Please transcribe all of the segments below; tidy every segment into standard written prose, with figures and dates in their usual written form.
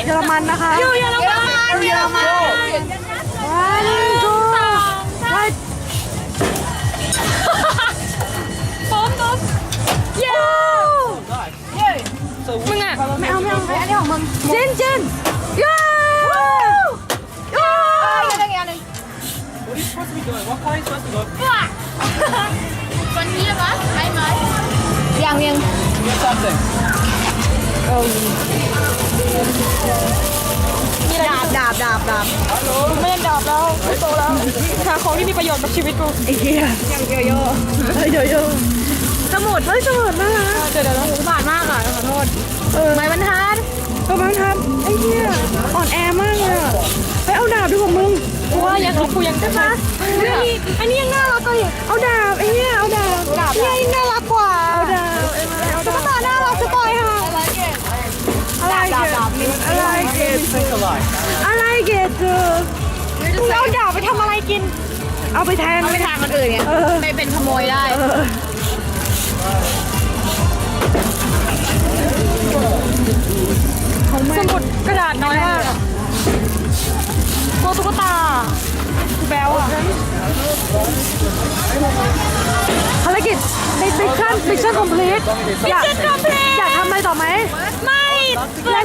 เยอรมันนะคะอยู่เยอรมันเยอรมันวันทูป๊มเย้มึงอ่ะไม่เอาอันนี้ของมึงเจนเย้ What are you supposed to be doing? What car are you supposed to go? Von hier was? Einmal. ยัง Get something. ดาบไม่เล่นดาบแล้วไม่โตแล้วหาของที่มีประโยชน์กับชีวิตกูไอ้เหี้ยโยสมุดน่ารักเดี๋ยวหูบาดมากอ่ะขอโทษไม้บรรทัดมันทำไอ้เหี้ยอ่อนแอมากเลยอะไปเอาดาบดูของมึงกูว่ายังกูยังได้ปะอันนี้ยังน่ารักเลยเอาดาบไอ้เหี้ยเอาดาบเนี่ยน่ารักกว่าเอาดาบตุ๊กตาน่ารักจะปล่อยค่ะอะไรเกตอะไรเกต Think a lot. อะไรเกตเธอมึงเอาดาบไปทำอะไรกินเอาไปแทนเอาไปทางคนอื่นไงไปเป็นขโมยได้สมุดกระดาษน้อยมากตัวตุ๊กตาแบลอ่ะภารกิจมิชชั่นคอมพลีทอยากทำอะไรต่อไหมไม่เพื่อน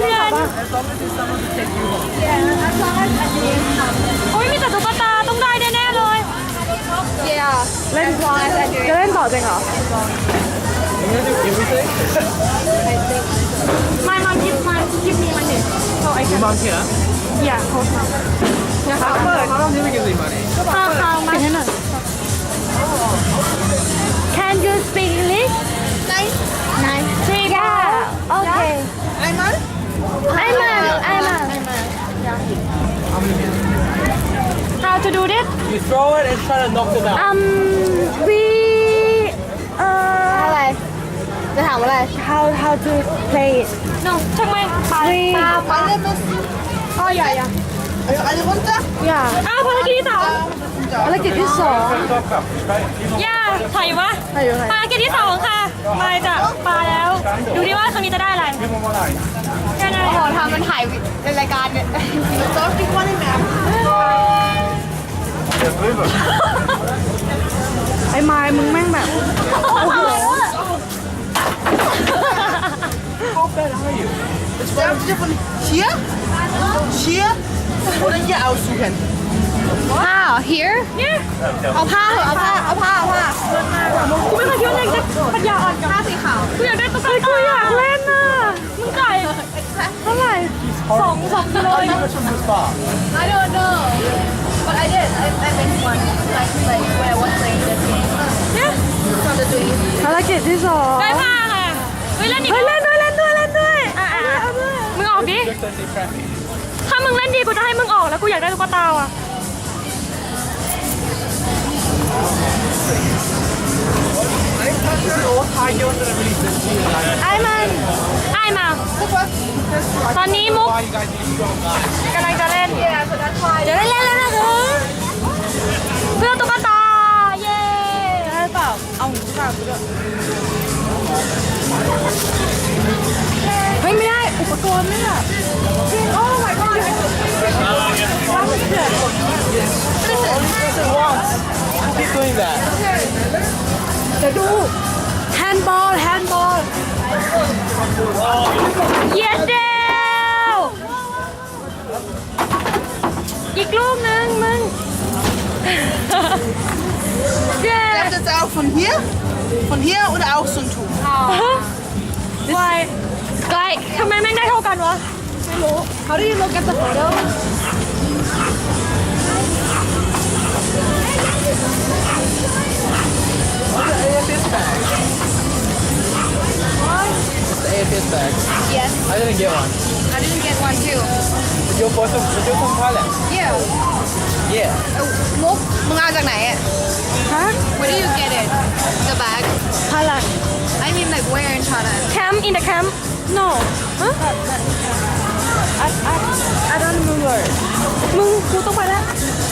โอ้ยมีแต่ตุ๊กตาต้องได้แน่ๆเลยเล่นจะเล่นต่อจริงเหรอ You gonna do everything? My mom give me money so I Your can mom here? yeah hold on How long do you give me money? how much ให้หน่อย Can you speak English nice Yeah Okay I'm how to do this You throw it and try to knock them out. we อะไรจะถามอะไร how to play it no ช่างแม่งไปอ๋ออย่าอ้าวภารกิจที่สองภารกิจที่สองย่าถ่ายอยู่ปะภารกิจที่สองค่ะมาจะปลาแล้ว ดูดิว่าครั้งนี้จะได้อะไรแค่นั้นโอ้โหทำมันถ่ายในรายการเนี่ยต้องคิดว่าได้ไหมไอ้ไม้มึงแม่งแบบ Hier oder hier aussuchen? ผ้า here เนี่ยเอาผ้าเหรอเอาผ้ากูไม่เคยคิดว่าเด็กจะปัญญาอ่อนกับผ้าสีขาวกูอยากได้ตุ๊กตากูอยากเล่นน่ะมึงจ่ายเท่าไหร่สองกิโล How much from this bar? I don't know, but I did. I went one like when I was playing the game เนี่ย from the dream. ภารกิจที่สองได้ผ้าค่ะเฮ้ยเล่นอีกเฮ้ยเล่นด้วยอ่ะมึงออกดิ Just don't say crappy. ถ้ามึงเล่นดีกูจะให้มึงออกแล้วกูอยากได้ตุ๊กตาอ่ะ Is it all tied on that I really didn't see it? Like, ไอ้มาตอนนี้มุก why you guys need strong guys? กำลังจะเล่นเดี๋ยวได้เล่นแล้วนะคะเพื่อตุ๊กตาเย้ได้เปล่าเอาหนูฝากกูด้วยเฮ้ยไม่ได้อุปกรณ์ไม่ได้โอ้ my god Listen once. Keep doing that. เดี๋ยวดูแฮนด์บอลเย็ดเดวอีกลูกนึงมึงเย้ Darf das auch von hier? Von hier oder auch so ein Tuch? วายไกลทำไมแม่งได้เท่ากันวะ How do you look at the photo AFS bag. It's the AFS bag. Yes, I didn't get one. I didn't get one too. But you're from Thailand. Yeah. Yeah. มุกมึงเอาจากไหนอ่ะฮะ Where do you get it? The bag? ไทยแลนด์ I mean like where in Thailand? camp in the camp no ฮะ I don't remember มึงกูต้องไปแล้วไ